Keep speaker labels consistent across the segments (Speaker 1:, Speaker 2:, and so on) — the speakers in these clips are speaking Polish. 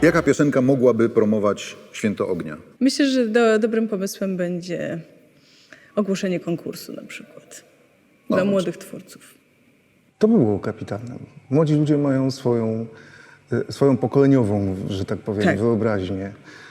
Speaker 1: Jaka piosenka mogłaby promować Święto Ognia?
Speaker 2: Myślę, że dobrym pomysłem będzie ogłoszenie konkursu na przykład dla młodych twórców.
Speaker 3: To by było kapitalne. Młodzi ludzie mają swoją pokoleniową, że tak powiem,
Speaker 2: Tak.
Speaker 3: wyobraźnię.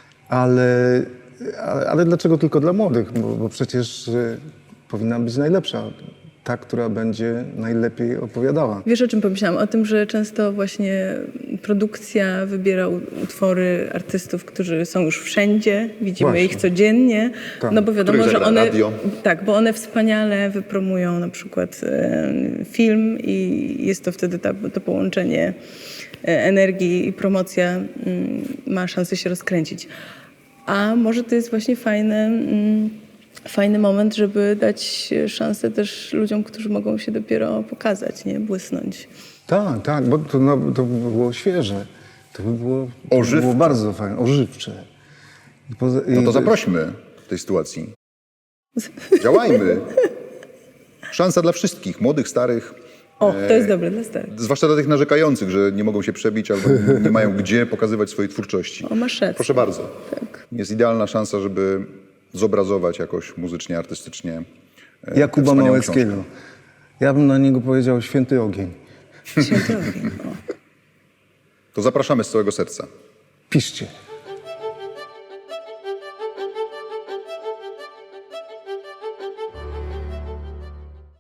Speaker 3: Ale dlaczego tylko dla młodych? Bo przecież powinna być najlepsza. Ta, która będzie najlepiej opowiadała.
Speaker 2: Wiesz, o czym pomyślałam? O tym, że często właśnie produkcja wybiera utwory artystów, którzy są już wszędzie, widzimy
Speaker 3: Właśnie.
Speaker 2: ich codziennie,
Speaker 3: Tak.
Speaker 2: no bo wiadomo,
Speaker 1: Których
Speaker 2: że
Speaker 1: zagra
Speaker 2: one,
Speaker 1: radio.
Speaker 2: tak, bo one wspaniale wypromują na przykład film i jest to wtedy to połączenie energii i promocja ma szansę się rozkręcić. A może to jest właśnie fajny moment, żeby dać szansę też ludziom, którzy mogą się dopiero pokazać, nie? Błysnąć.
Speaker 3: Tak, bo to by było świeże. To by było
Speaker 1: Ożywcze.
Speaker 3: bardzo fajne, ożywcze.
Speaker 1: No to zaprośmy w tej sytuacji. Działajmy. Szansa dla wszystkich, młodych, starych.
Speaker 2: O, to jest dobre dla starych.
Speaker 1: Zwłaszcza dla tych narzekających, że nie mogą się przebić albo nie mają gdzie pokazywać swojej twórczości.
Speaker 2: O, masz rację.
Speaker 1: Proszę bardzo.
Speaker 2: Tak.
Speaker 1: Jest idealna szansa, żeby zobrazować jakoś muzycznie, artystycznie tę
Speaker 3: Jakuba
Speaker 1: wspaniałą
Speaker 3: Małeckiego.
Speaker 1: książkę.
Speaker 3: Ja bym na niego powiedział święty ogień.
Speaker 2: Święty ogień. O.
Speaker 1: To zapraszamy z całego serca.
Speaker 3: Piszcie.